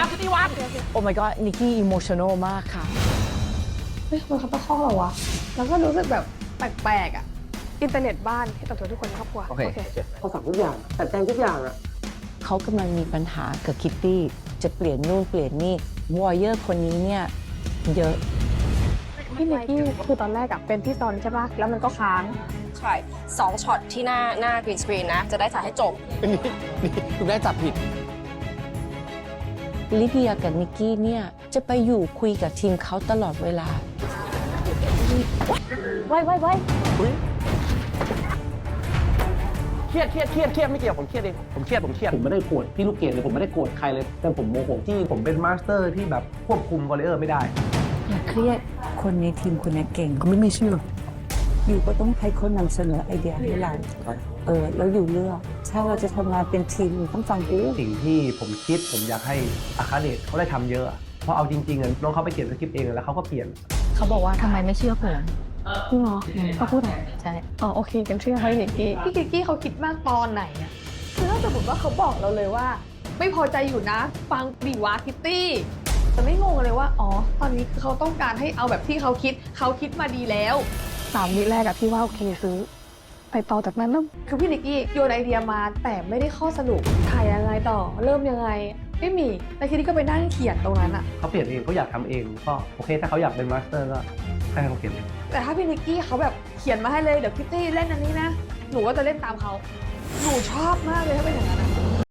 คิตตี้วางโอ้ my god นิกกี้อิโมชันอลมากค่ะเฮ้ยมันเขาตะคอกเราวะแล้วก็รู้สึกแบบแปลกๆอ่ะอินเทอร์เน็ตบ้านให้ต่อทุกคนในครอบครัวโอเคเขาสั่งทุกอย่างแต่แจงทุกอย่างอ่ะเขากำลังมีปัญหากับคิตตี้จะเปลี่ยนนู่นเปลี่ยนนี่วอร์เยอร์คนนี้เนี่ยเยอะพี่นิกกี้คือตอนแรกอะเป็นพี่ซอนใช่ปะแล้วมันก็ค้างใช่2ช็อตที่หน้ากรีนสกรีนนะ จะได้ถ่ายให้จบนี่คุณได้จับผิดลิเดียกับนิกกี้เนี่ยจะไปอยู่คุยกับทีมเขาตลอดเวลาไว้เครียดไม่เกี่ยวผมเครียดเองผมเครียดผมไม่ได้โกรธพี่ลูกเกดเลยผมไม่ได้โกรธใครเลยแต่ผมโมโหที่ผมเป็นมาสเตอร์ที่แบบควบคุมวอลเลย์ไม่ได้อย่าเครียดคนในทีมคนนี้เก่งก็ไม่เชื่ออยู่ก็ต้องให้คนนำเสนอไอเดียให้เราแล้วอยู่เลือกถ้าเราจะทำงานเป็นทีมต้องฟังกูสิ่งที่ผมคิดผมอยากให้อาคาเดชเขาได้ทำเยอะเพราะเอาจริงๆน้องเขาไปเขียนสคริปต์เองแล้วเขาก็เปลี่ยนเขาบอกว่าทำไมไม่เชื่อผมจริงเหรอเขาพูดไหนใช่อ๋อโอเคกันเชื่อเขาพี่นิกกี้พี่นิกกี้เขาคิดมากตอนไหนอะคือถ้าสมมติว่าเขาบอกเราเลยว่า ไม่พอใจอยู่นะ ฟังดีวะคิตตี้แต่ไม่งงเลยว่าอ๋อตอนนี้คือเขาต้องการให้เอาแบบที่เขาคิดมาดีแล้ว3 วิแรกอะพี่ว่าโอเคซื้อไปต่อจากนั้นแล้วคือพี่นิกกี้โยนไอเดียมาแต่ไม่ได้ข้อสรุปถ่ายยังไงต่อเริ่มยังไงไม่มีแล้วคิตตี้ก็ไปนั่งเขียนตรงนั้นอะเขาเปลี่ยนเองเขาอยากทำเองก็โอเคถ้าเขาอยากเป็นมาสเตอร์ก็ให้เขาเขียนเองแต่ถ้าพี่นิกกี้เขาแบบเขียนมาให้เลยเดี๋ยวคิตตี้เล่นอันนี้นะหนูก็จะเล่นตามเขาหนูชอบมากเลยถ้าเป็นอย่างนั้นนะ